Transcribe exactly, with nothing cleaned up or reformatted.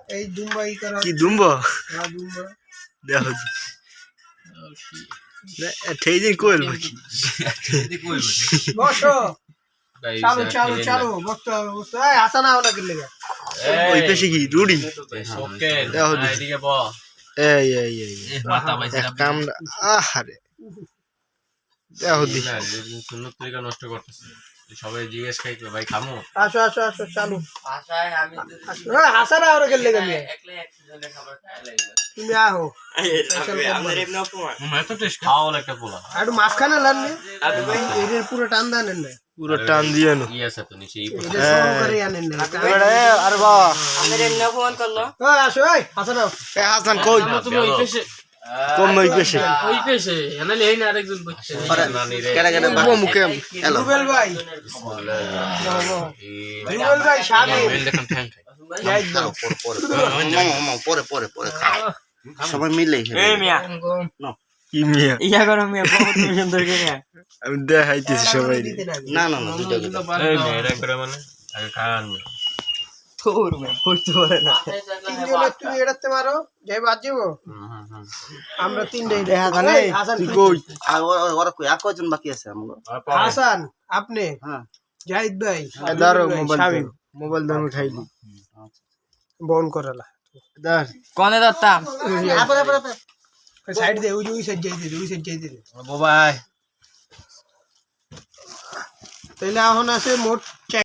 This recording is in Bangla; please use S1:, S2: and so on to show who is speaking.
S1: এই দুম্বাই করা
S2: কি দুম্বা
S1: হ্যাঁ দুম্বা
S2: দেখো ঠিক দিন কোয়েল বাকি
S1: বসো চালু চালু চালু বসতে হবে বসতে এই আসা না ওটা গেলে
S2: ওই পেশে কি রুডি
S3: ওকে
S2: দেখো
S3: এদিকে ব
S2: এই এই এই
S3: মাথা বাইছে
S2: এক কাম আহারে দেখো দি
S3: সুন্নত তরিকা নষ্ট করতেছে সবাই জিজ্ঞেস খাই ভাই খামো
S1: আসো আসো আসো চালু
S4: আশায় আমি
S1: হ্যাঁ আসা না ওটা গেলে গেলে
S4: একলা একজনের খাবার খাই লাগবে
S1: তুমি আহো
S4: আমাদের এমনি অপমান
S3: এত টেস্ট খাওয়া একটা পোলা
S1: একটু মাঝখানে লাননি এর পুরো টান দেন না
S2: পুরো টান দিয়ে নো
S3: কি আছে তো নিচে
S1: এটা শুরু করে আনেন না
S2: আরে বাহ
S4: আমাদের এমনি অপমান করলো
S1: ওই আসো এই আসা নাও
S2: এ হাসান কই
S3: তুমি ওই পেশে
S2: কোন ওই পেশে
S3: ওই পেশে এনালে এই না আরেকজন বসছে নানি রে
S2: কেডা কেডা বাবু মুখে হ্যালো
S1: রুবেল ভাই রুবেল ভাই সামনে
S3: মেল দেখুন ঠ্যাং খাই
S1: যাই দাও
S2: পরে পরে পরে পরে খাও সবাই মিলে
S4: এই মিয়া
S2: কি মিয়া
S4: ইয়া করো মিয়া বহুত সুন্দর করে
S2: আমি দেখাইতেছি সবাই
S1: না
S2: না না দুটো
S3: এই মেয়েরা করে মানে আগে খান
S4: তোর মিয়া পড়তে পারে না
S1: তিনজনে তুমি এড়াতে মারো যাই বাদ যাবো আমরা তিনটাই
S2: দেখা জানে
S1: হাসান
S2: তুই কই আর ওরা কই আর কয়জন বাকি আছে আমগো
S1: হাসান আপনি
S2: হ্যাঁ
S1: জাহিদ ভাই
S2: দাঁড়ো মোবাইল মোবাইল দাও উঠাইলি
S1: বন করালা
S2: দাঁড়
S4: কোনে দত্তাম
S1: সাইড দে ওই ওই সাইড যাই দে ওই সাইড যাই দে
S3: বাবাই
S1: তাহলে এখন আছে মোট